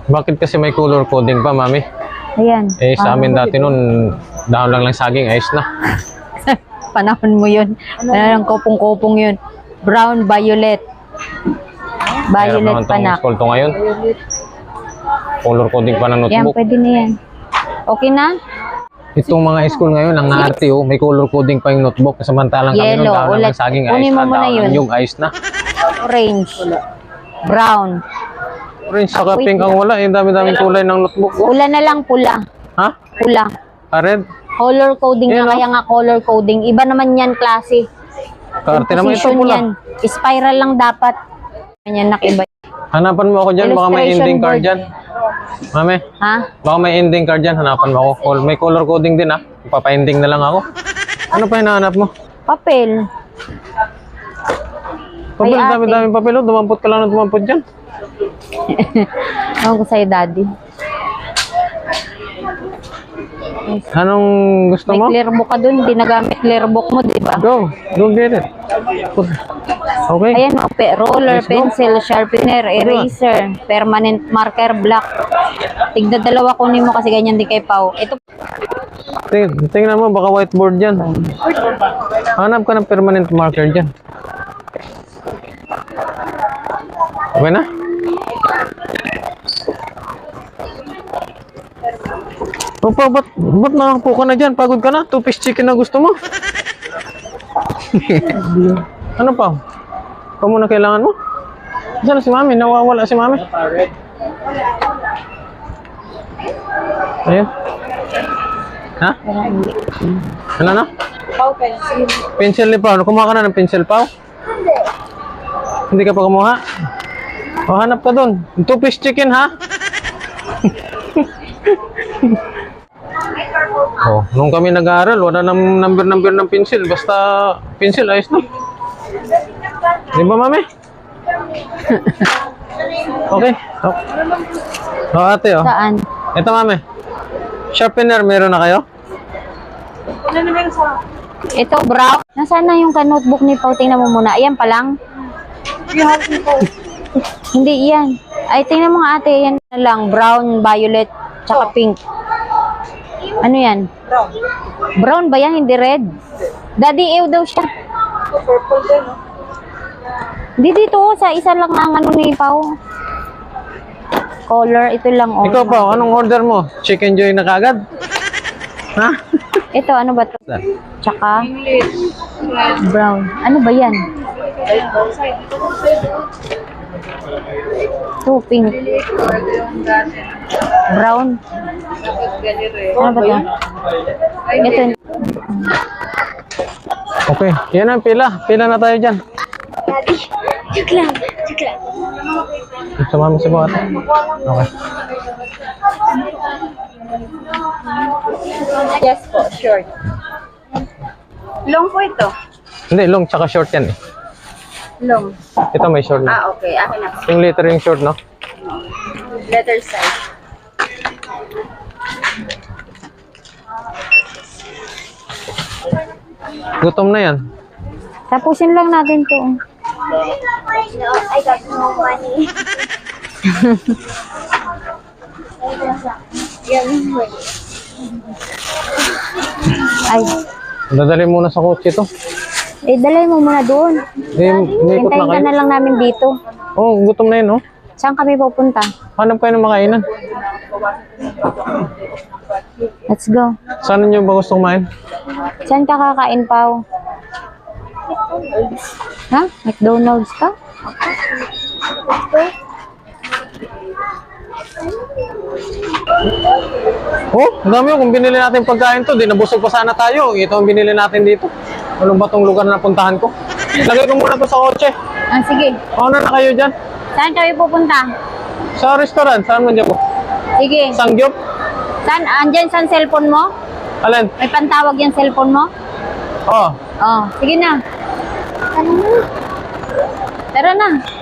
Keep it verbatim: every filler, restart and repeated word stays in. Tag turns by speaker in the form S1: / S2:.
S1: Bakit kasi may color coding pa, mami?
S2: Ayan.
S1: Eh, sa amin dati nun, dahon lang lang saging, ayos na.
S2: Panahon mo yun. Ano ng kopong-kopong yun. Brown, violet.
S1: Mahirap
S2: Violet
S1: naman
S2: pa
S1: tong
S2: na.
S1: school to ngayon. Color coding pa ng
S2: Yan,
S1: notebook.
S2: pwede na yan. Okay na?
S1: Itong mga school ngayon, ang naarte oh, may color coding pa yung notebook. Samantalang kami nun,
S2: Yellow,
S1: dahon lang
S2: ulit.
S1: lang saging, ayos
S2: Kunin
S1: na.
S2: mo muna
S1: Dahon
S2: yun.
S1: lang yung ayos na.
S2: Orange. Brown.
S1: Orange saka
S2: Wait
S1: pink ang wala. Eh, dami-daming kulay ng notebook. Oh.
S2: Pula na lang, pula.
S1: Ha?
S2: Pula.
S1: Ah, red?
S2: Color coding
S1: Yan,
S2: na,
S1: oh.
S2: kaya nga color coding. Iba naman yan, klase.
S1: Kaarte naman ito
S2: Composition
S1: pula.
S2: yan. Spiral lang dapat. Yan, nakiba.
S1: Hanapan mo ako dyan, baka may
S2: Illustration
S1: ending card
S2: board.
S1: dyan. Mami,
S2: Ha?
S1: baka may ending card dyan, hanapan mo ako. Col- May color coding din ha. Papa-ending na lang ako. Ano pa hinahanap mo?
S2: Papel.
S1: Papel,
S2: Ay, ate.
S1: dami-daming papel. Oh. Dumampot ka lang na dumampot dyan.
S2: Ewan ko sa'yo, daddy.
S1: Anong gusto
S2: May
S1: mo?
S2: clear book ka dun. Hindi nagamit clear book mo, di ba?
S1: Go, go get it. Okay.
S2: Ayan, o, pe- roller,
S1: Let's go.
S2: pencil, sharpener, eraser, permanent marker, black. Tigda dalawa kunin mo kasi ganyan di kay Pao. Ito,
S1: Ting tingnan mo, baka whiteboard dyan. Hanap ka ng permanent marker dyan. Okay na? O pa, ba't, ba't nakapo ka na dyan? Pagod ka na? Two-piece chicken na gusto mo? Ano pa? Ikaw muna kailangan mo? Saan na si mami? Nawawala si mami. Ayun. Ha? Ano na?
S2: Pao pencil.
S1: Pencil ni Pao. Kumuha ka na ng pencil, Pao? Hindi. Hindi ka pa kumuha? O, hanap ka dun. Two-piece chicken, ha? Oh, nung kami nag-aaral, wala nang number-number ng pencil. Basta pencil, ayos na. Di ba, mami? Okay. Oh, oh ate, oh.
S2: Saan?
S1: Ito, mami. Sharpener, meron na kayo?
S2: Ito, brown. Nasaan na yung ka-notebook ni Pao? Tingnan mo muna. Ayan pa lang. Hindi, yan. Ay, tingnan mo nga ate. Yan na lang. Brown, violet, tsaka pink. Ano yan?
S3: Brown.
S2: Brown ba yan? Hindi red? Daddy, ew daw siya.
S3: Purple din, no?
S2: Hindi dito. Sa isa lang ang ano ni Pao. Color. Ito lang. Oh.
S1: Ikaw, Pao, anong order mo? Chicken joy na kagad? Ha?
S2: Ito, ano ba ito? Tsaka brown. Ano ba yan? Ito, pink. Brown. Ano ba ito? Ito.
S1: Okay, yan ang pila. Pila na tayo dyan.
S2: Joke lang. Joke lang.
S1: Sama mo si Pao, ate. Okay.
S2: Yes po, short.
S3: Long po ito.
S1: Hindi, long tsaka short yan eh.
S3: Long.
S1: Ito may short na.
S3: Ah, okay. Akin na.
S1: Yung letter yung short, no?
S3: Letter size.
S1: Gutom na yan.
S2: Tapusin lang natin to.
S3: No, I got no money.
S2: Ay,
S1: Dadali muna sa kotse to.
S2: eh, dalay mo muna doon.
S1: Eh, umikot na
S2: Hintayin ka
S1: kayo.
S2: na lang namin dito.
S1: Oh, gutom na yun, oh.
S2: Saan kami pupunta?
S1: Hanap kayo ng makainan.
S2: Let's go.
S1: Saan nyo ba gusto kumain?
S2: Saan ka kakain, Pao? Ha? McDonald's ka?
S1: Oh, ang dami yun. Kung binili natin pagkain to, di nabusog pa sana tayo. Ito ang binili natin dito. Ano ba tong lugar na napuntahan ko? Lagay ko muna to sa kotse.
S2: Ah, sige.
S1: Paano na kayo dyan?
S2: Saan kami pupunta?
S1: Sa restaurant, saan mo dyan po?
S2: Sige.
S1: Sangyup?
S2: Saan? Andyan saan cellphone mo?
S1: Alin?
S2: May pantawag yung cellphone mo?
S1: Oh,
S2: Oh, sige na. Tara na. Tara na.